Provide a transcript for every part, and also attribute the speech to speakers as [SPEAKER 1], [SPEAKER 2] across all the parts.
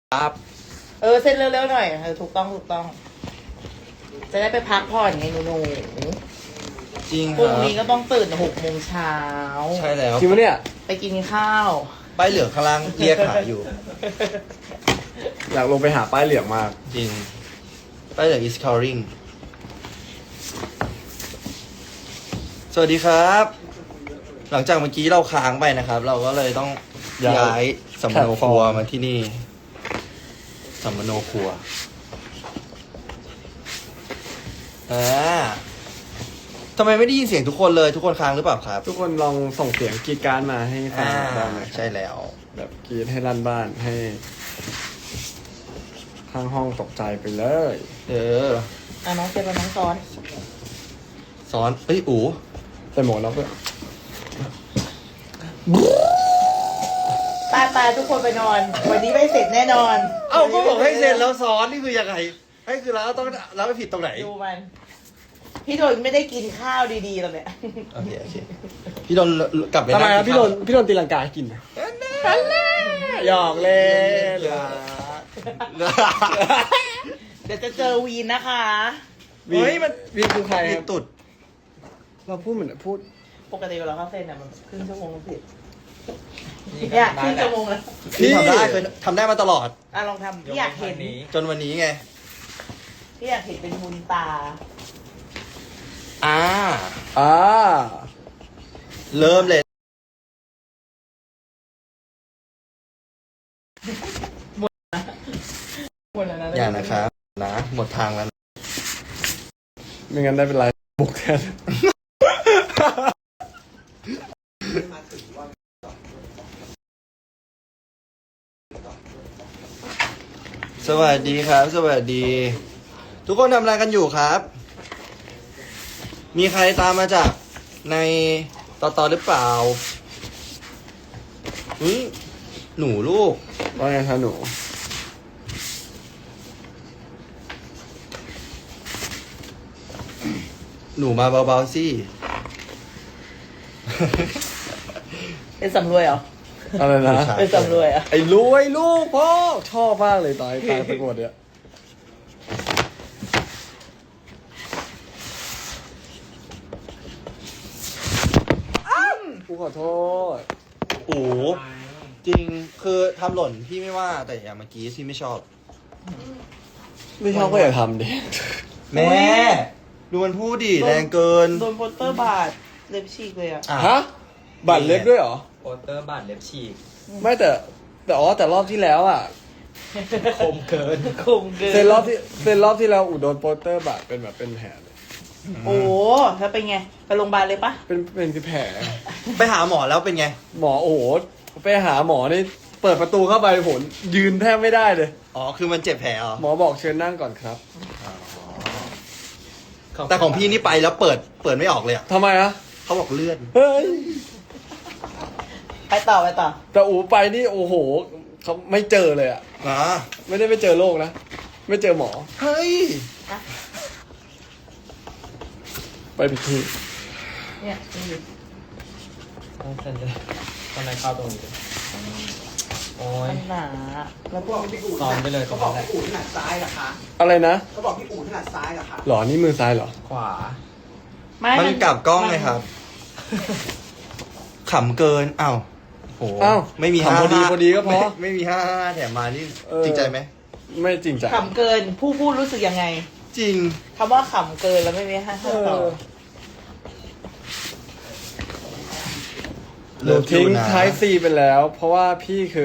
[SPEAKER 1] ครับ
[SPEAKER 2] เซ็นเร็วๆหน่อยถูกต้องจะได้ไปพักผ่อนไงหนู
[SPEAKER 1] จริง
[SPEAKER 2] พ
[SPEAKER 1] ค
[SPEAKER 2] รุ่ง
[SPEAKER 1] รับ
[SPEAKER 2] นี้ก็ต้องตื่น6 โมงเช้า
[SPEAKER 1] ใช่แล้ว
[SPEAKER 3] จริงปะเนี่ย
[SPEAKER 2] ไปกินข้าว
[SPEAKER 1] ป้ายเหลืองข้างล่างเรียกหาอยู่
[SPEAKER 3] อยากลงไปหาป้ายเหลืองมาก
[SPEAKER 1] จริงป้ายเหลือง is calling สวัสดีครับ หลังจากเมื่อกี้เราค้างไปนะครับ เราก็เลยต้องย้ายสัมมโนครัวมาที่นี่สัมมโนครัวทำไมไม่ได้ยินเสียงทุกคนเลยทุกคนค้างหรือเปล่าครับ
[SPEAKER 3] ทุกคนลองส่งเสียงกรีดกรารมาให้ฟังบ้างไหม
[SPEAKER 1] ใช่แล้ว
[SPEAKER 3] แบบกรีดให้ลั่นบ้านให้ข้างห้องตกใจไปเลย
[SPEAKER 2] น้องเซ็นกับน้องซ้อน
[SPEAKER 1] สอนเอ้ยอู๋
[SPEAKER 3] แต่หมวกเราก็
[SPEAKER 2] ตายทุกคนไปนอน วันนี้ไม่เสร็จแน่นอน
[SPEAKER 1] เอ้าก็บอกให้เซ็นแล้วซ้อนนี่คือยังไงให้คือเราต้องเราไปผิดตรงไหน
[SPEAKER 2] ดูมัน พี่โดนไม่ได้กินข้าวดีๆแล้วเนี่ย
[SPEAKER 1] โอเคพี่โดนกลับไป
[SPEAKER 3] ทำไมครับ
[SPEAKER 1] ง
[SPEAKER 3] พี่โดนตีลังกาให้กินนะหยอกเล่น
[SPEAKER 1] เหลือ
[SPEAKER 2] เดี๋ยวจะเจอวีนนะคะ
[SPEAKER 3] เฮ้ยมันวีคือใคร
[SPEAKER 1] มี
[SPEAKER 3] ครับ
[SPEAKER 1] ตุด
[SPEAKER 3] เราพูดเหมือนพูด
[SPEAKER 2] ปกติเวลาเขาเซ็นมันครึ่งชั่วโมงผิดเนี่ยครึ่งชั่วโมงแล้ว
[SPEAKER 1] พี่ทำได้เคยทำได้มาตลอด
[SPEAKER 2] ลองทำพี่อยากเห็น
[SPEAKER 1] จนวันนี้ไง
[SPEAKER 2] พี่อยากเห็นเป็นมุนตา
[SPEAKER 1] อ่า เริ่มเลย
[SPEAKER 2] หมดแล้วนะ
[SPEAKER 1] อย่านะครับนะหมดทางแล้วนะ
[SPEAKER 3] ไม่งั้นได้เป็นไรบุกแทน
[SPEAKER 1] สวัสดีครับ สวัสดี ทุกคนทำอะไรกันอยู่ครับ มีใครตามมาจากในต่อหรือเปล่าหนูลูก
[SPEAKER 3] ว่าไงคะหนู
[SPEAKER 1] หนูมาเบาๆสิ
[SPEAKER 2] เป็นสำรวยเหรอ
[SPEAKER 3] อะไรนะ
[SPEAKER 1] ผู้ชาย
[SPEAKER 2] เป็นสำรวยเหรอ่ะ
[SPEAKER 3] ไอ้รวยลูกพ่อชอบมากเลยตายไปหมดเนี่ยกูขอโทษ
[SPEAKER 1] โอ้จริงคือทำหล่นพี่ไม่ว่าแต่อย่างเมื่อกี้ที่ไม่ชอบ
[SPEAKER 3] ไม่ชอบก็อย่าทำดิ
[SPEAKER 1] แม่ดูมันพูดดิแรงเกิน
[SPEAKER 2] โดนโปสเตอร์บาดเล็บฉีกเลยอ่ะ
[SPEAKER 3] ฮะ บัตรเล็บด้วยเหรอ
[SPEAKER 4] โปสเตอร์บาดเล็บฉีก
[SPEAKER 3] ไม่แต่รอบที่แล้วอ่ะ
[SPEAKER 4] คมเกิน
[SPEAKER 2] คมเกิน
[SPEAKER 3] เซ็นรอบที่แล้วอุดโดนโปสเตอร์บาดเป็นแบบเป็นแผลเลย
[SPEAKER 2] โอ้แล้วเป็นไง ไปโรงพยาบาลเลยปะ
[SPEAKER 3] เป็นแผล
[SPEAKER 1] ไปหาหมอแล้วเป็นไง
[SPEAKER 3] หมอโอ้โหไปหาหมอนี่เปิดประตูเข้าไปผมยืนแทบไม่ได้เลย
[SPEAKER 1] อ๋อคือมันเจ็บแผลเหรอ
[SPEAKER 3] หมอบอกเชิญนั่งก่อนครับ
[SPEAKER 1] แต่ของพี่นี่ไปแล้วเปิดไม่ออกเลยอ่ะ
[SPEAKER 3] ทำไมอะ
[SPEAKER 1] เขาบอกเลื่อน
[SPEAKER 3] เฮ้ย
[SPEAKER 2] ไปต่อ
[SPEAKER 3] แต่อูไปนี่โอ้โหเขาไม่เจอเลยอะ
[SPEAKER 1] อ๋อ
[SPEAKER 3] ไม่ได้ไปเจอโรคนะ ไม่เจอหมอ
[SPEAKER 1] เฮ้ย
[SPEAKER 3] ไปผิดที่
[SPEAKER 2] เนี่ยนี่
[SPEAKER 4] ต้องเซ็นเลยตอนนั้นเข้าตรงนี้โอ้ย
[SPEAKER 2] มันหนาแล้วพวก
[SPEAKER 4] ซ้อมไปเลยตรงนั้นแหละ
[SPEAKER 5] พี่อู๋ถนัดซ้ายเหรอคะ
[SPEAKER 3] อะไรนะ
[SPEAKER 5] เขาบอกพี่อู๋ถนัดซ้ายเหรอคะ
[SPEAKER 3] หรอนี่มือซ้ายเหรอ
[SPEAKER 4] ขวา
[SPEAKER 2] ไม่
[SPEAKER 1] มันกลับกล้องเลยครับ ขำเกินอ้าวโห
[SPEAKER 3] อ้าว
[SPEAKER 1] ไม่มี
[SPEAKER 3] ขำพอดีพอดีก็พอ
[SPEAKER 1] ไม่มี5แถมมานี่
[SPEAKER 3] เออ
[SPEAKER 1] จริงใจไหม
[SPEAKER 3] ไม่จริงจัง
[SPEAKER 2] ขำเกินผู้พูดรู้สึกยังไง
[SPEAKER 1] จริง
[SPEAKER 2] คำว่าขำเกินแล้วไม่มีห้า
[SPEAKER 3] เอ
[SPEAKER 2] ต่อ
[SPEAKER 3] อหนูทิ้งท้ายซีไปแล้ว เพราะว่าพี่คือ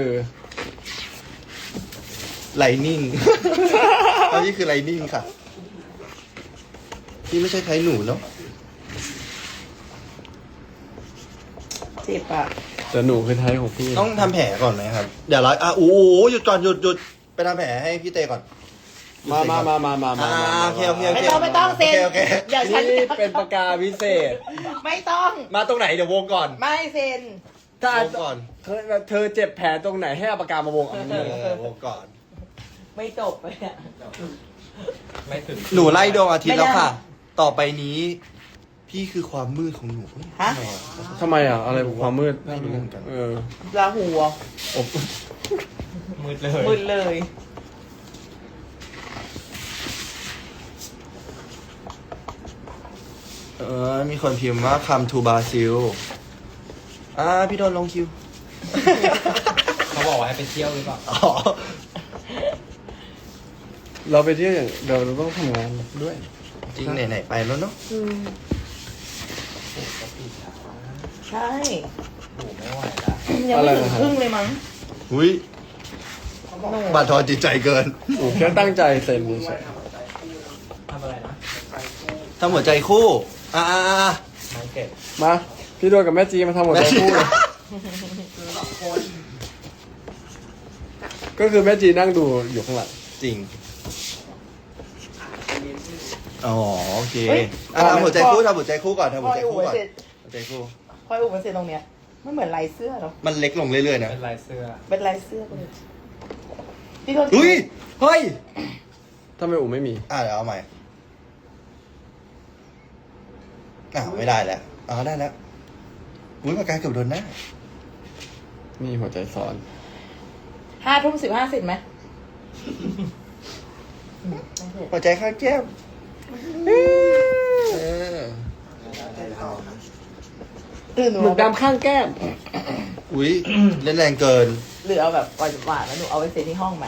[SPEAKER 1] ไลนิ่ง ตอนนี้คือไลนิ่งค่ะ พี่ไม่ใช่ไทยหนูเนาะ
[SPEAKER 2] เจ็บอ่ะ
[SPEAKER 3] แต่หนูคือท้ายของพี่
[SPEAKER 1] ต้องทำแผลก่อนไหมครับ เดี๋ยวเราโอ้โหหยุดก่อนหยุดไปทำแผลให้พี่เตก่อน
[SPEAKER 3] มา
[SPEAKER 1] โอเคโอเค
[SPEAKER 2] ไม่ต้องเซ็น
[SPEAKER 1] โอเค
[SPEAKER 2] อย่าฉัน
[SPEAKER 3] นี่เป็นปากกาพิเศษ
[SPEAKER 2] ไม่ต้อง
[SPEAKER 1] มาตรงไหนเดี๋ยววงก่อน
[SPEAKER 2] ไม่เซ็น
[SPEAKER 3] ถ้าว
[SPEAKER 1] งก่อน
[SPEAKER 3] เธอเจ็บแผลตรงไหนให้เอาปากกามาวงเอา
[SPEAKER 1] วงก่อน
[SPEAKER 2] ไม่จบเลยอ่ะ
[SPEAKER 4] ไม่ถึง
[SPEAKER 1] หนูไล่ดวงอาทิตย์แล้วค่ะ
[SPEAKER 2] ไม่ได้
[SPEAKER 1] ต่อไปนี้ พี่คือความมืดของหนู
[SPEAKER 2] ฮะ
[SPEAKER 3] ทำไมอ่ะ อะไรความมืด
[SPEAKER 1] ไม่รู้เหมือนกัน
[SPEAKER 3] เออ
[SPEAKER 2] ลาหูอ่ะ
[SPEAKER 3] อบ
[SPEAKER 4] มืดเลย
[SPEAKER 2] มึนเลย
[SPEAKER 1] มีคนพิมพ์ว่า come to Brazil พี่โดนลงคิว
[SPEAKER 4] เขาบอกว่าให้ไปเที่ยวหรือเปล่า
[SPEAKER 1] อ๋อ
[SPEAKER 3] เราไปเที่ยวอย่างเดี๋ยวเราต้องทำงานด้วย
[SPEAKER 1] จริงไหนๆไปแล้วเนาะ
[SPEAKER 4] โอ้โหก็ปีช้า
[SPEAKER 2] ใช่
[SPEAKER 4] โอ้โหไม่ไหวละ
[SPEAKER 2] ยังไม่ถึงครึ่งเลยมั้ง
[SPEAKER 1] อุ้ยบาดทอนจิตใจเกิน
[SPEAKER 3] อู๋แค่ตั้งใจเซ็นเฉย
[SPEAKER 4] ทำอะไรนะ
[SPEAKER 1] ทำหัวใจคู่อ่า
[SPEAKER 4] ไม้เก็บ
[SPEAKER 3] ๆมาพี่โดนกับแม่จีมาทำหมดใจคู่เลยก็คือแม่จีนั่งดูอยู่ข้างหลัง
[SPEAKER 1] จริง อ๋อโอเค
[SPEAKER 2] เฮ้ย
[SPEAKER 1] ทำหัวใจคู่ทำหัวใจคู่ก่อนทำ
[SPEAKER 2] พ
[SPEAKER 1] หั
[SPEAKER 2] อ
[SPEAKER 1] วใจ
[SPEAKER 2] อู๋
[SPEAKER 1] คู่ก่อน
[SPEAKER 2] เสร็จ
[SPEAKER 1] หัวใจคู่
[SPEAKER 2] พออู๋มันเสร็จตรงเนี้ยมันเหมือนลายเสื้อเนาะ
[SPEAKER 1] มันเล็กลงเรื่อยๆนะ
[SPEAKER 4] เป็นลายเสื้อ
[SPEAKER 2] เป็นลายเสื้อไปเลยพี่โทษ
[SPEAKER 1] อุ้ยเฮ้ย
[SPEAKER 3] ถ้าไม่อู๋ไม่มี
[SPEAKER 1] เดี๋ยวเอาใหม่ไม่ได้แล้วได้แล้วอุ้ยปากกาเกือบโดนหน้า
[SPEAKER 3] นี่หัวใจซ้อน
[SPEAKER 2] 5:15เสร็จไหม
[SPEAKER 1] หัวใจข้างแก้ม
[SPEAKER 2] หนู
[SPEAKER 3] หมึกดำข้างแก้ม
[SPEAKER 1] อุ้ยเล่นแรงเกิน
[SPEAKER 2] หรือเอาแบบหวานๆแล้วหนูเอาไปเซ็นที่ห้องไหม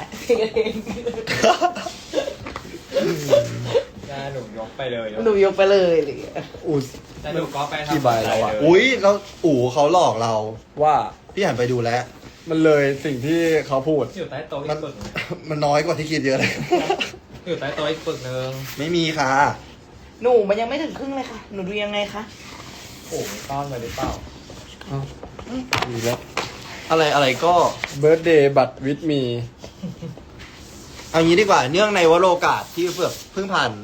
[SPEAKER 4] ได้หนูยกไปเลย
[SPEAKER 2] หนูยกไปเลยหรือ
[SPEAKER 3] อู๋
[SPEAKER 4] แต่หนูก็ไปทำ
[SPEAKER 3] กี่ใบแล้วอะ
[SPEAKER 1] อุ้ยแล้วอู๋เขาหลอกเรา
[SPEAKER 3] ว่า
[SPEAKER 1] พี่หันไปดูแล้ว
[SPEAKER 3] มันเลยสิ่งที่เขาพูด
[SPEAKER 4] อยู่ใต้โต๊ะอี
[SPEAKER 1] มัน
[SPEAKER 4] กปึกหนึ่ง
[SPEAKER 1] มันน้อยกว่าที่คิดเยอะเลย
[SPEAKER 4] อยู่ใต้โต๊ะอีกปึกหนึ่ง
[SPEAKER 1] ไม่มีค่ะ
[SPEAKER 2] หนูมันยังไม่ถึงครึ่งเลยค่ะ หนูดูยังไงคะ
[SPEAKER 4] โอ้โหมีซ่อนไว้หรือเปล่า
[SPEAKER 3] ดีแล้ว
[SPEAKER 1] อะไรก็
[SPEAKER 3] เบิร์ดเดย์บัตรวิดมี
[SPEAKER 1] เอางี้ดีกว่าเนื่องในวโรกาสที่เพิ่งผ่าน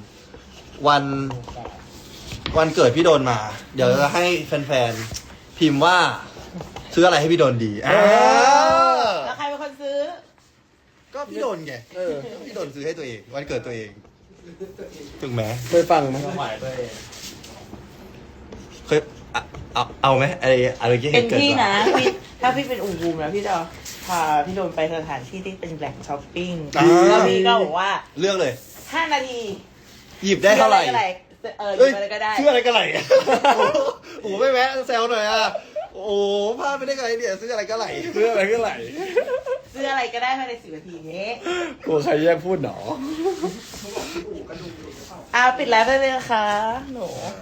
[SPEAKER 1] วันเกิดพี่โดนมา เดี๋ยวจะให้แฟนๆพิมพ์ว่าซื้ออะไรให้พี่โดนดี
[SPEAKER 2] แล้วใครเป็นคนซื้อ
[SPEAKER 1] ก็พี่โดนไงพี่โดนซื้อให้ตัวเอง วันเกิดตัวเองถูกไหม
[SPEAKER 3] เคยฟังไหม
[SPEAKER 4] ไม่ไหวตัวเอง
[SPEAKER 1] เคยเอาไหมอะไรที่
[SPEAKER 2] เป็น
[SPEAKER 1] เกิด
[SPEAKER 2] พี่
[SPEAKER 1] มา
[SPEAKER 2] นะพี่ถ้าพี่เป็นอูบูมนะพี่จะพาพี่โดนไปสถานที่ที่เป็นแหล่งช้อปปิ้งแล้วพี่ก็บอกว่า
[SPEAKER 1] เลือกเลย
[SPEAKER 2] 5 นาที
[SPEAKER 1] หยิบได้เท่าไหร่
[SPEAKER 2] หยิบอะไรก็ได้
[SPEAKER 1] ชื่ออะไรก็ไหลโอ้โหไม่แวะแซวหน่อยอ่ะโอ้โหพลาดไปได้ไงเนี่ยซื้ออะไรก็ไหล
[SPEAKER 3] เรื่องอะไรก็ไหล
[SPEAKER 2] ซื้ออะไรก็ได้ภายใน10 นาทีนี้
[SPEAKER 3] กลัวใครแยกพูดหนอ
[SPEAKER 2] ปิดไลฟ์ได้เลยนะคะหนู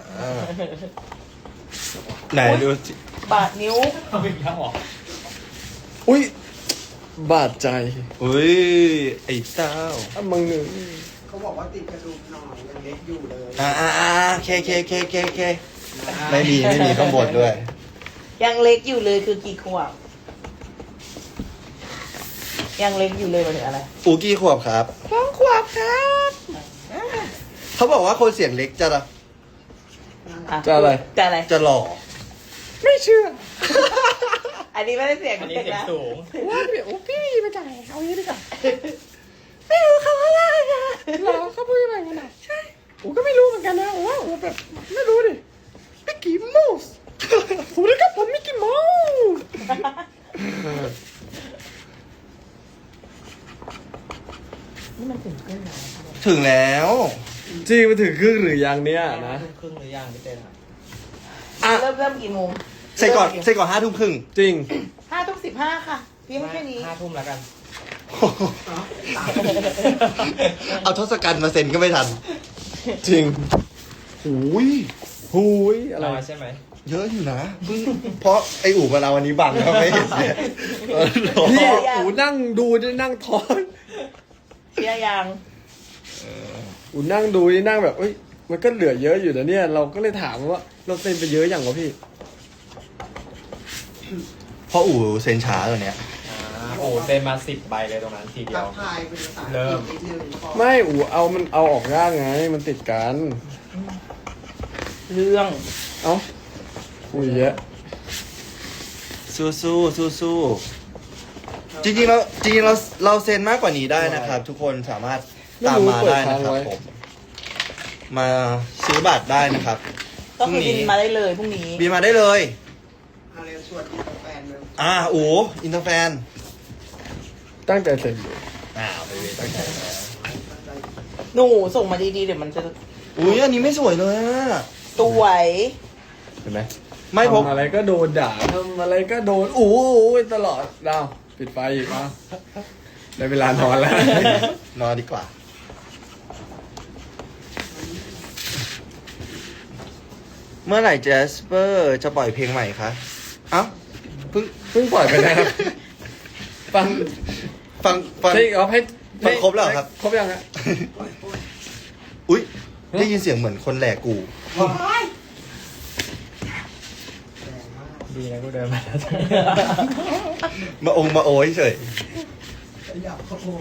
[SPEAKER 1] ไหนดูสิ
[SPEAKER 2] บาดนิ้ว
[SPEAKER 4] เอาอีกแล้วเหรอ
[SPEAKER 3] อุ้ยบาดใจ
[SPEAKER 1] อุ้ยไอ้เต้า
[SPEAKER 3] มึงหนึ่ง
[SPEAKER 5] เขาบอกว่าติดกระดูกหน่อยยังเล็กอยู่เลย
[SPEAKER 1] เคไม่มีข้างบนด้วย
[SPEAKER 2] ยังเล็กอยู่เลยคือกี่ขวบยังเล็กอยู่เลยหมายถึงอะไร
[SPEAKER 1] อูกี่ขวบครับ
[SPEAKER 2] 2 ขวบครับ
[SPEAKER 1] เขาบอกว่าคนเสียงเล็กจะ
[SPEAKER 3] จะอะไร
[SPEAKER 2] จะอะไร
[SPEAKER 1] จะหล่อ
[SPEAKER 3] ไม่เชื่อ
[SPEAKER 2] อันนี้ไม่ได้เสียง
[SPEAKER 4] อันนี้
[SPEAKER 2] เด็ก
[SPEAKER 4] เสียง
[SPEAKER 2] นะ
[SPEAKER 4] สูง
[SPEAKER 3] ว่าเดี๋ยวพี่มาจากไหนเอาอย่างนี้ดีกว่า
[SPEAKER 2] ไม่รู้เขาอะไรอะ
[SPEAKER 3] หรอเขาพูดอะไรกันอ่ะใช่อูก็ไม่รู้เหมือนกันนะอูว่าอูแบบไม่รู้ดิมิกกี้เมาส์สวัสดีครับผมมิกกี้เมาส์
[SPEAKER 2] นี่มันถึงครึ่งแล้ว
[SPEAKER 1] ถึงแล้ว
[SPEAKER 3] จริงมาถึงครึ่งหรือยังเนี่ยนะ
[SPEAKER 4] ครึ่งหรือยังพี่เต้นอะ
[SPEAKER 2] เริ่มกี่โมง
[SPEAKER 1] เสร็จก่อน5 ทุ่มครึ่ง
[SPEAKER 3] จริง
[SPEAKER 2] 5:15ค่ะพี่ไม่แค่นี้
[SPEAKER 4] 5 ทุ่มแล้วกัน
[SPEAKER 1] เอาทศกัณฐ์มาเซ็นก็ไม่ทัน
[SPEAKER 3] จริง
[SPEAKER 1] หูย
[SPEAKER 3] หูยอะไร
[SPEAKER 4] น้อยใช่ไหม
[SPEAKER 1] เยอะอยู่นะเพราะไออู่มาเราวันนี้บังเขาไม่เห็นเนี่ย
[SPEAKER 3] นี่อูนั่งดูได้นั่งทอน
[SPEAKER 2] เชียร์ยัง
[SPEAKER 3] อูนั่งดูนี่นั่งแบบเอ้ยมันก็เหลือเยอะอยู่นะเนี่ย เราก็เลยถามว่าเราเซ็นไปเยอะอย่างวะพี่
[SPEAKER 1] เพราะอู่เซ็นช้าตัวเนี้ย
[SPEAKER 4] โอ้โหเซ็นมา10 ใบเลยตรงนั้นทีเดีย
[SPEAKER 5] ทั
[SPEAKER 4] ว
[SPEAKER 5] กทายเป็นภาษา
[SPEAKER 4] เริ่ม
[SPEAKER 5] นิดนึงก่อน
[SPEAKER 3] ไม่อูมันเอาออกยากไง มันติดกัน
[SPEAKER 2] เรื่อง
[SPEAKER 3] เอ้าคุยเยอะ
[SPEAKER 1] สู้จริงๆเราเซ็นมากกว่านี้ได้นะครับ ทุกคนสามารถตามมาได้นะครับผมมาซื้อบัตรได้นะครับ
[SPEAKER 2] ก็คือบินมาได้เลยพรุ่งนี้
[SPEAKER 1] บินมาได้เลย
[SPEAKER 5] อะไรชวนกินกาแฟเลย
[SPEAKER 1] อู๋อินเตอร์แฟน
[SPEAKER 3] ตั้งใจเซ็นอยู่
[SPEAKER 4] ไปเวตั้งใจแล้ว
[SPEAKER 2] หนูส่งมาดีๆเดี๋ยวมันจะ
[SPEAKER 1] อุ้ยอันนี้ไม่สวยเลยอะ
[SPEAKER 2] สวย
[SPEAKER 3] เห็นไหม
[SPEAKER 1] ไม่พก
[SPEAKER 3] ทำอะไรก็โดนด่าทำอะไรก็โดนอู้ตลอดดาวปิดไฟอีกอ่ะได้เวลานอนแล้ว
[SPEAKER 1] นอนดีกว่า เมื่อไหร่เจสเปอร์จะปล่อยเพลงใหม่คะเอ้าเพิ่ง
[SPEAKER 3] ปล่อยไปนะครับฟัง
[SPEAKER 1] ฟัง
[SPEAKER 3] ใช่เอาให้
[SPEAKER 1] ฟังครบแล้วเหรอครับ
[SPEAKER 3] ครบยังฮะ
[SPEAKER 1] อุ้ยได้ยินเสียงเหมือนคนแหลกกู
[SPEAKER 4] ดีนะกูเดินมาแล้ว
[SPEAKER 1] มาโอยเฉย
[SPEAKER 5] ขยับเขาโอ้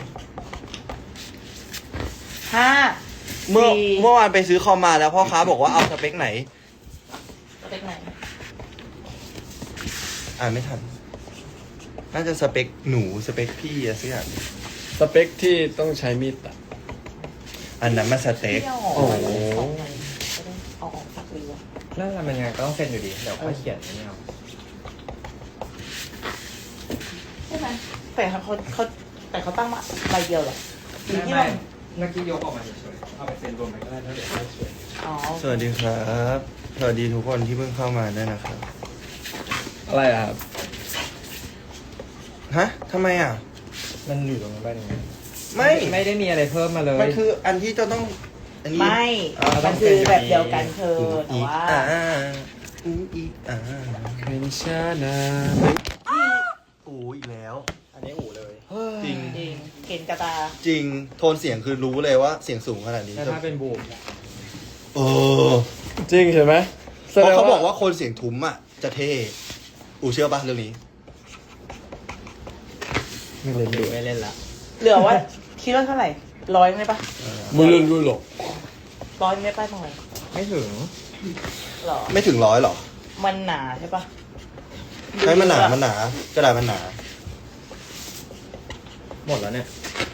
[SPEAKER 2] ห้า
[SPEAKER 1] เมื่อ
[SPEAKER 2] สี่
[SPEAKER 1] เมื่อวานไปซื้อคอมมาแล้วพ่อค้าบอกว่าเอาสเปคไหน
[SPEAKER 2] สเปคไหน
[SPEAKER 1] อ่านไม่ทัน น่าจะสเปคหนูสเปคพี่อะสักอย่าง
[SPEAKER 3] สเปคที่ต้องใช้มีดตัด
[SPEAKER 1] อันนั้นมาสเต็ก
[SPEAKER 2] ที่เอาออก
[SPEAKER 3] โอ้โห
[SPEAKER 2] จะได้เอาออกสักหรือวะ
[SPEAKER 4] นั่นแหละมันยังไงก็ต้องเซ็นอยู่ดีเดี๋ยวค่อยเขียนไม่เอา
[SPEAKER 2] ใช่ไหมแต่เขาตั้งมาใบเดียวเหรอหรือที่
[SPEAKER 4] ไม่
[SPEAKER 2] เรา
[SPEAKER 4] เมื่อกี้ยกออกมาเฉยๆเอาไปเซ็นรวมไปก็ได้ถ้าเดี๋ยวค่อยเขียน
[SPEAKER 2] อ๋อ
[SPEAKER 1] สวัสดีครับ สวัสดีทุกคนที่เพิ่งเข้ามาด้วยนะครับ
[SPEAKER 3] อะไรอะครับ
[SPEAKER 1] ฮะทำไมอ่ะ
[SPEAKER 4] มันอยู่ตรงนั้นไปตรงนี้
[SPEAKER 1] ไม่
[SPEAKER 4] ไม่ได้มีอะไรเพิ่มมาเลย
[SPEAKER 1] มันคืออันที่จะต้อง อันนี้
[SPEAKER 2] ไม่ มันคือแบบเดียวกันเธอแต่ว่า
[SPEAKER 1] อีก
[SPEAKER 3] เป็นชานา
[SPEAKER 1] อูอีกแล้ว
[SPEAKER 4] อันนี้อู่เลย
[SPEAKER 1] จริง
[SPEAKER 2] จริงเกณฑ์กระตา
[SPEAKER 1] จริง โทนเสียงคือรู้เลยว่าเสียงสูงขนาดนี้
[SPEAKER 4] แต่ถ้าเป็นบูม
[SPEAKER 1] เออ
[SPEAKER 3] จริงใช่ไหมแส
[SPEAKER 1] เพ
[SPEAKER 3] ด
[SPEAKER 1] ราะ
[SPEAKER 3] ง
[SPEAKER 1] เขาบอกว่าคนเสียงทุ้มอ่ะ จะเท่ อูเชื่อปะเรื่องนี้
[SPEAKER 3] ไม่เล่นด้วย
[SPEAKER 4] ไม่เล่นละ
[SPEAKER 2] เหลือว่าคิดว่าเท่าไหร่100ไหมปะ
[SPEAKER 3] มึงเล่นด้วยหรอก
[SPEAKER 2] 100ไม่ป้าทำไม
[SPEAKER 4] ไม่ถึง
[SPEAKER 2] หรอ
[SPEAKER 1] ไม่ถึง100หรอ
[SPEAKER 2] มันหนาใช่ปะ
[SPEAKER 1] ใช่มันหนา มันหนากระดาษมันหนา
[SPEAKER 4] หมดแล้วเนี่ย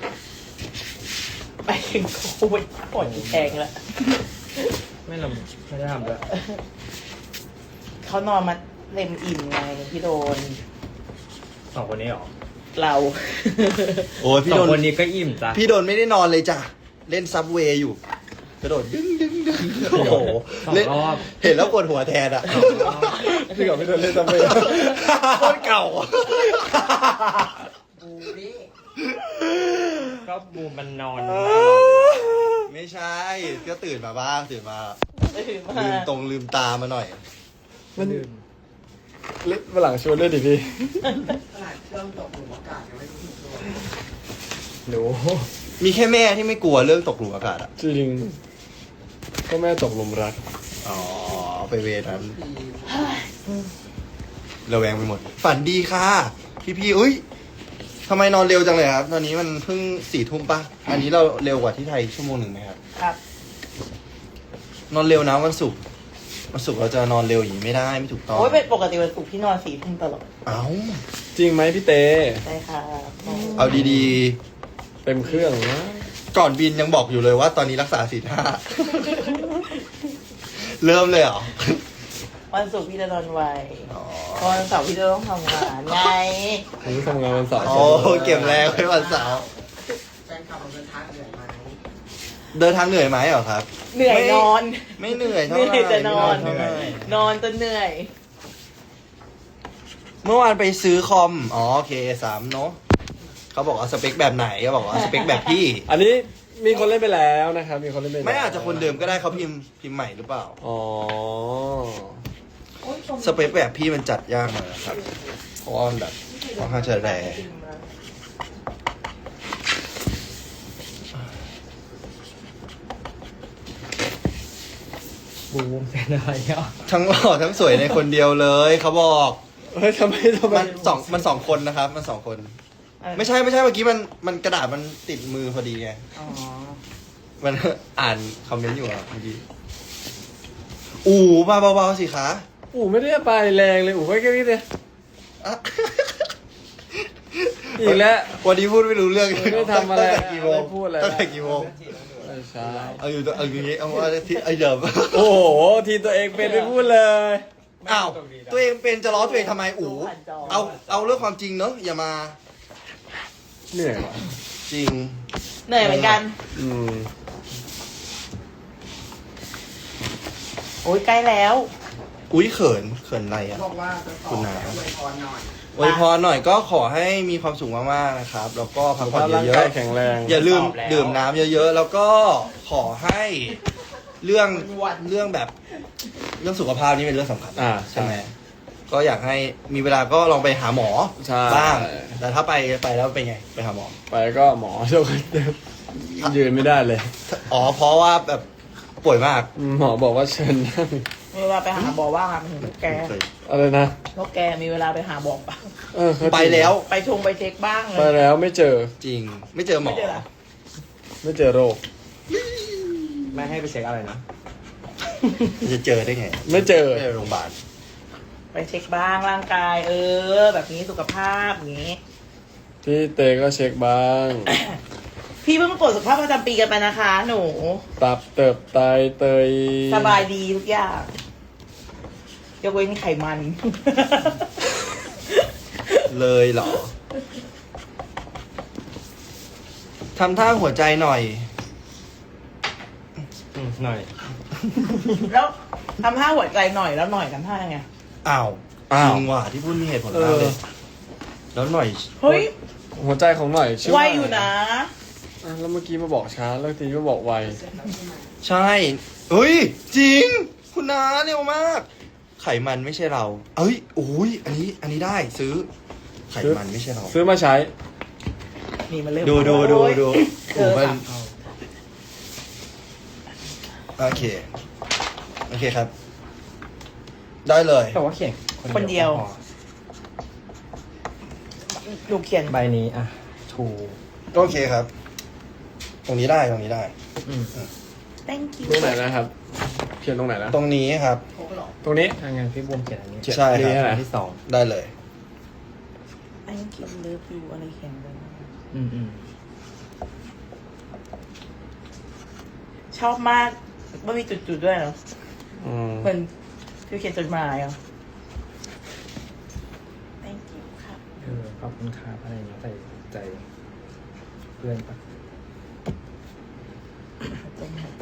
[SPEAKER 2] ไปถึงโควิดปวดแพงแล้ว
[SPEAKER 4] ไม่ได้ทำด้วย
[SPEAKER 2] เขานอนมาเต็มอิ่มไงพี่โดน
[SPEAKER 4] สองคนนี้หรอ
[SPEAKER 2] เรา
[SPEAKER 1] โอ้ยพี่
[SPEAKER 4] สอ
[SPEAKER 1] โด
[SPEAKER 4] ง
[SPEAKER 1] น
[SPEAKER 4] คนนี้ก็อิ่มจ้ะ
[SPEAKER 1] พี่โดนไม่ได้นอนเลยจ้ะ เล่นซับเวย์อยู่ กระโดดดึงดึงดึงโอ้โห
[SPEAKER 4] สอง
[SPEAKER 1] เล่น
[SPEAKER 4] รอบ
[SPEAKER 1] เห็นแล้วปวดหัวแทนอ่ะ
[SPEAKER 3] พี่กับพี่โดนเล่นทำไม
[SPEAKER 1] โคตรเก่าอะ
[SPEAKER 5] บูนี่
[SPEAKER 4] ก็บูมมันนอน
[SPEAKER 1] ไม่ใช่ ก็ตื่นมาบ้างตื่นมา
[SPEAKER 2] ตื่นมา
[SPEAKER 1] ลืมตามาหน่อย
[SPEAKER 3] มันเล่นมาหลังชวนเล่นดิพี่
[SPEAKER 5] ขนาดเครื่องตกหลุมอากาศยังไม่รู้สึกตัว
[SPEAKER 3] หนู
[SPEAKER 1] มีแค่แม่ที่ไม่กลัวเรื่องตกหลุมอากาศอ่ะ
[SPEAKER 3] จริงก็แม่ตกหลุมรัก
[SPEAKER 1] อ๋อไปเวรนั้น
[SPEAKER 5] ปี
[SPEAKER 1] ระแวงไปหมด ฝันดีค่ะ พี่อุ้ยทำไมนอนเร็วจังเลยครับ ตอนนี้มันเพิ่ง4 ทุ่มป่ะ อันนี้เราเร็วกว่าที่ไทย1 ชั่วโมงไหมครับ
[SPEAKER 2] ครับ
[SPEAKER 1] นอนเร็วนะวันศุกร์เราจะนอนเร็วอย่างนี้ไม่ได้ไม่ถูกต้อง
[SPEAKER 2] โอ้ยเป็นปกติวันศุกร์พี่นอน4 ทุ่มตลอด
[SPEAKER 1] เอ้า
[SPEAKER 3] จริงไหมพี่เต้
[SPEAKER 2] ใช่ค่ะ
[SPEAKER 1] เอาดี
[SPEAKER 3] เต็มเครื่องนะ
[SPEAKER 1] ๆ ก่อนบินยังบอกอยู่เลยว่าตอนนี้รักษาศีล 5 เริ่มเลยเหรอ
[SPEAKER 2] วันศุกร์พี่จะนอนไว
[SPEAKER 1] อ๋อ
[SPEAKER 2] เพราะวันเสาร์พี่จะต้องทำงานไง
[SPEAKER 3] ผมทำงานวันเสาร์
[SPEAKER 1] โอ้เก็บแรงไว้วันเสาร์
[SPEAKER 5] แฟนคลับเราเดินทางเหนื่อยไหม
[SPEAKER 1] เดินทางเหนื่อยไหมเหรอครับ
[SPEAKER 2] เหนื่อยนอน
[SPEAKER 1] ไม่เหนื่อย
[SPEAKER 2] เห
[SPEAKER 1] เท่าไหร่
[SPEAKER 2] นื่อยจะนอน
[SPEAKER 1] ไม่เหยเท่าไหร่
[SPEAKER 2] นอนจนเหนื่อย
[SPEAKER 1] เมื่อวานไปซื้อคอม อ๋อโอเค3เนอะเขาบอกว่าสเปคแบบไหนเขาบอกว่าสเปคแบบพี่
[SPEAKER 3] อันนี้มีคนเล่นไปแล้วนะครับ มีคนเล่นไปแล้ว
[SPEAKER 1] ไม่อาจจะคนเดิมก็ได้เขาพิมพ์ใหม่หรือเปล่า
[SPEAKER 3] อ๋อ
[SPEAKER 1] สเปคแบบพี่มันจัดยากหน่อยนะครับ เพราะว่ามันแบบค่อนข้างจะแรง
[SPEAKER 4] บูมเป็นอะไรอ่ะ
[SPEAKER 1] ทั้งหล่อทั้งสวยในคนเดียวเลยเขาบอก
[SPEAKER 3] เฮ้ยทำไม
[SPEAKER 1] มันสองคนนะครับ มัน2 คน ไม่ใช่เมื่อกี้มันกระดาษมันติดมือพอดีไง
[SPEAKER 2] อ๋อ
[SPEAKER 1] มัน อ่านคอมเมนต์อยู่อะเมื่อกี้อู๋มาเบาๆสิคะ
[SPEAKER 3] อู๋ไม่ได้ไปแรงเลยอู๋แค่นี้เลย
[SPEAKER 1] อ่ะ
[SPEAKER 3] อีกแล้ว
[SPEAKER 1] วันนี้พูดไม่รู้เรื่อง
[SPEAKER 3] ไม่ได้ทำอะไร
[SPEAKER 1] ตั้งแต่กี่โมง
[SPEAKER 3] ไม่พูดอะไร
[SPEAKER 1] ตั้งแต่กี่โมง
[SPEAKER 3] ไม่ใช่
[SPEAKER 1] เอาอย่างนี้เอาว่าที่ไอเดิม
[SPEAKER 3] โอ้โห ทีมตัวเองเป็นไม่พูดเลย
[SPEAKER 1] อ้าวตัวเองเป็นจะล้อตัวเองทำไมอู๋เอาเรื่องความจริงเนอะอย่ามา
[SPEAKER 3] เหนื่อยว่ะ
[SPEAKER 1] จริง
[SPEAKER 2] เหนื่อยเหมือนกัน
[SPEAKER 3] อืม
[SPEAKER 2] โอ้ยใกล้แล้ว
[SPEAKER 1] อุ้ยเขินอะไรอ่ะ
[SPEAKER 5] บอกว่าจะส
[SPEAKER 1] คุ
[SPEAKER 5] อบ
[SPEAKER 1] ณนา
[SPEAKER 5] แล้วอวยพรหน่อย
[SPEAKER 1] อวยพรหน่อยก็ขอให้มีความสุขมากๆนะครับ แล้วก็พักผ่อน
[SPEAKER 3] ร่าง
[SPEAKER 1] เย
[SPEAKER 3] กา
[SPEAKER 1] อะ
[SPEAKER 3] ยแข็งแรง
[SPEAKER 1] ๆอย่าลืมดื่มน้ำเยอะๆ แล้วก็ขอให้เรื่องแบบเรื่องสุขภาพนี่เป็นเรื่องสำคัญ
[SPEAKER 3] ใช่
[SPEAKER 1] ไหมก็อยากให้มีเวลาก็ลองไปหาหมอ
[SPEAKER 3] ใช่
[SPEAKER 1] บ้าง แต่ถ้าไปแล้วเป็นไงไปหาหมอ
[SPEAKER 3] ไปก็หมอเจ้ายืนไม่ได้เลย
[SPEAKER 1] อ๋อเพราะว่าแบบป่วยมาก
[SPEAKER 3] หมอบอกว่าเชิญนั่ง
[SPEAKER 2] มีเวลาไปหาบอกว่างอ่ะมันถึงพวกแก
[SPEAKER 3] อะไรนะ
[SPEAKER 2] พวกแกมีเวลาไปหาบอกปะ
[SPEAKER 1] ไปแล้ว
[SPEAKER 2] ไปเช็คบ้างเล
[SPEAKER 3] ไป
[SPEAKER 2] ย
[SPEAKER 3] แล้วไม่เจอ
[SPEAKER 1] จริงไม่เจอหมอ
[SPEAKER 2] ไม่เจอเหรอ
[SPEAKER 3] ไม่เจอโรค
[SPEAKER 4] ไม่ให้ไปเช็คอะไรนะ
[SPEAKER 1] จะเจอได้ไง
[SPEAKER 3] ไม่เจอ
[SPEAKER 1] ไม่ไปโรงพยาบาล
[SPEAKER 2] ไปเช็คบ้างร่างกาย แบบนี้สุขภาพอย่างนี้
[SPEAKER 3] พี่เตก็เช็คบ้าง
[SPEAKER 2] พี่เพิ่งตรวจสุขภาพประจำปีกันไปนะคะ หนู
[SPEAKER 3] ตับเติบไตเตย
[SPEAKER 2] สบายดีทุกอย่างยกเว้นไขมัน
[SPEAKER 1] เลยเหรอทำท่าหัวใจหน่อย
[SPEAKER 4] หน่อย
[SPEAKER 2] แล้วทำท่าหัวใจหน่อยแล้วหน่อยทำท่ายังไง
[SPEAKER 1] อ้าวจริงว่ะที่พูดมีเหตุผลมากเลย แล้วหน่อย
[SPEAKER 2] เฮ้ย
[SPEAKER 3] หัวใจของหน่อยชื่อ
[SPEAKER 2] ไว
[SPEAKER 3] ว่า
[SPEAKER 2] อยู่นะ
[SPEAKER 3] แล้วเมื่อกี้มาบอกช้าแล้วทีนี้มาบอกไว
[SPEAKER 1] ใช่เฮ้ย จริง คุณน้าเร็วมาก ไขมันไม่ใช่เรา เอ้ยโอ้ยอันนี้ได้ซื้อ ไขมันไม่ใช่เรา
[SPEAKER 3] ซื้อมาใช้
[SPEAKER 2] นี่มันเริ่ม
[SPEAKER 1] ดู
[SPEAKER 2] โอ้ย
[SPEAKER 1] โอ้มันโอเคครับ ได้เลย
[SPEAKER 4] แต่ว่าเขียน
[SPEAKER 2] คนเดียว
[SPEAKER 4] พอ
[SPEAKER 2] ดูเขียน
[SPEAKER 4] ใบนี้อ่ะถู
[SPEAKER 1] โอเคครับ ตรงนี้ได้
[SPEAKER 4] อืม
[SPEAKER 2] thank you
[SPEAKER 3] ตรงไหนนะครับ เขียนตรงไหนนะ
[SPEAKER 1] ตรงนี้ครับ
[SPEAKER 5] พกหรอ
[SPEAKER 3] ตรงนี้
[SPEAKER 4] ถ้างั้นพี่บูมเขียนอันนี้
[SPEAKER 1] ใช่ครับ
[SPEAKER 3] นี่อะไร
[SPEAKER 4] อันที่สอง
[SPEAKER 1] ได้เลย
[SPEAKER 2] thank you love you อะไรเขียนไป
[SPEAKER 4] อืม
[SPEAKER 2] ชอบมากไม่มีจุดๆด้วยเหรอ
[SPEAKER 3] อืม
[SPEAKER 2] เหมือนคือเขียนจดหมายเหรอ thank you ครับ
[SPEAKER 4] ขอบคุณครับอะไรเงี้ยใส่ใจเพื่อนปะ
[SPEAKER 2] ตรงหัวใจ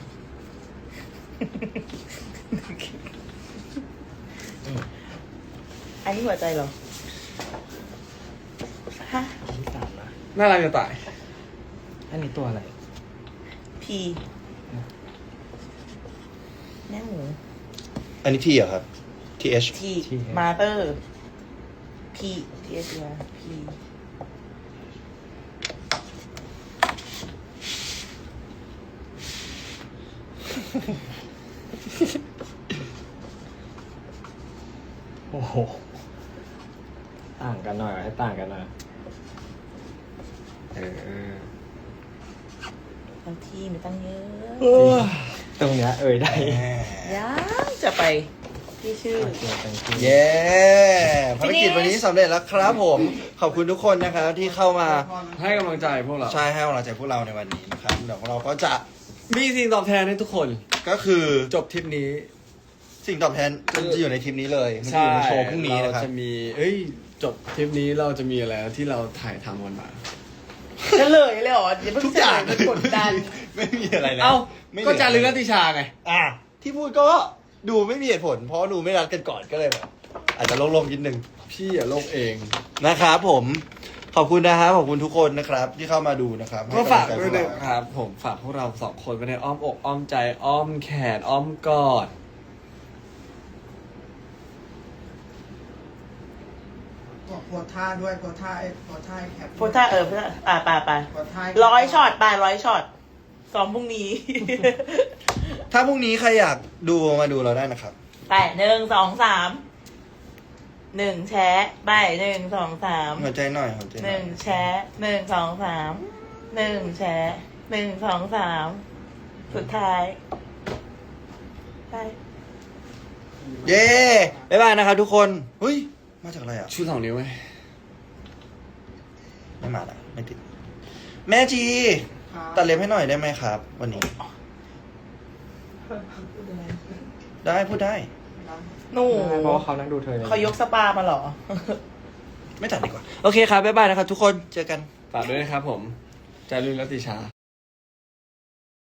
[SPEAKER 2] อันนี้หัวใจเหรอ ฮะ
[SPEAKER 4] อันที่สามนะ
[SPEAKER 3] น่ารักจะตาย
[SPEAKER 4] อันนี้ตัวอะไร
[SPEAKER 2] P แม่หมู
[SPEAKER 1] อันนี้ที่เหรอครับ TH
[SPEAKER 2] T มาเตอร์ P T S R P
[SPEAKER 4] โอ้โหต่างกันหน่อยให้ต่างกันหน่อย
[SPEAKER 2] บางทีมีตั้งเยอะ
[SPEAKER 4] ตรงเนี้ยได้
[SPEAKER 2] ยังจะไปที่ชื่อ
[SPEAKER 4] โอเค thank you
[SPEAKER 1] เย้ภารกิจวันนี้สำเร็จแล้วครับผม ขอบคุณทุกคนนะครับที่เข้ามา
[SPEAKER 3] ให้กำลังใจพวกเรา
[SPEAKER 1] ใช่ให้กำลังใจพวกเราในวันนี้นะครับเดี๋ยวเราก็จะ
[SPEAKER 3] มีสิ่งตอบแทนให้ทุกคน
[SPEAKER 1] ก็คือ
[SPEAKER 3] จบทริปนี้
[SPEAKER 1] สิ่งตอบแทนจะอยู่ในทีมนี้เลยมันจะอยู่ในโชว์พรุ่งนี้นะครับ
[SPEAKER 3] เราจะมีจบทริปนี้เราจะมีอะไรที่เราถ่ายทำกันมา
[SPEAKER 2] เฉลยเลยเหรออย่าเพิ่ง
[SPEAKER 1] ทุกอย่าง
[SPEAKER 2] เฉลมันกดดัน
[SPEAKER 1] ไม่มีอะไรแล้ว
[SPEAKER 3] เอ้า
[SPEAKER 1] ไม่เหลื
[SPEAKER 3] ก็จารึกนัตติชาไง
[SPEAKER 1] ที่พูดก็ดูไม่มีเหตุผล เพราะดูไม่รัดกันก่อนก็เลยแบบอาจจะโล่งๆนิดนึง
[SPEAKER 3] พี่อย่าโลกเอง
[SPEAKER 1] นะครับผมขอบคุณนะครับขอบคุณทุกคนนะครับ ที่เข้ามาดูนะครับ
[SPEAKER 3] ก็ฝาก
[SPEAKER 1] ให้
[SPEAKER 3] ด้วย
[SPEAKER 1] ำลังใจพ
[SPEAKER 3] นะ
[SPEAKER 1] กเร
[SPEAKER 3] ครับ ผมฝากพวกเราสองคนไว้ในอ้อมอกอ้อมใจอ้อมแขนอ้อมกอด
[SPEAKER 5] บอกโพสท่าด้วยโพสท่าแคป
[SPEAKER 2] โพสท่าโพสท่าไป
[SPEAKER 5] โพสท่า
[SPEAKER 2] 100 ช็อตไป100 ช็อตซ้อมพรุ่งนี้
[SPEAKER 1] ถ้าพรุ่งนี้ใครอยากดูมาดูเราได้นะครับ
[SPEAKER 2] ไป1 2 3 1 แชะไป1 2 3
[SPEAKER 1] หัวใจหน่อยหัวใจหน่อย
[SPEAKER 2] 1 แชะ1 2 3 1 แชะ1 2 3 สุดท้ายไป
[SPEAKER 1] เย้บ๊ายบายนะครับทุกคนเฮ้ยมาจากอะไรอ่ะ
[SPEAKER 3] ชู2 นิ้วไหม
[SPEAKER 1] ไม่มาละไม่ติด แม่จีตัดเล็บให้หน่อยได้ไหมครับ วันนี้ ได้พูดได้
[SPEAKER 2] หนู
[SPEAKER 4] เพราะว่าเขานั่งดูเธอ
[SPEAKER 2] เขายกสปามาเหรอ
[SPEAKER 1] ไม่ตัดดีกว่า โอเคครับบ๊ายบายนะครับทุกคนเจอกัน
[SPEAKER 3] ฝากด้วยนะครับผมจารุนรัตติชา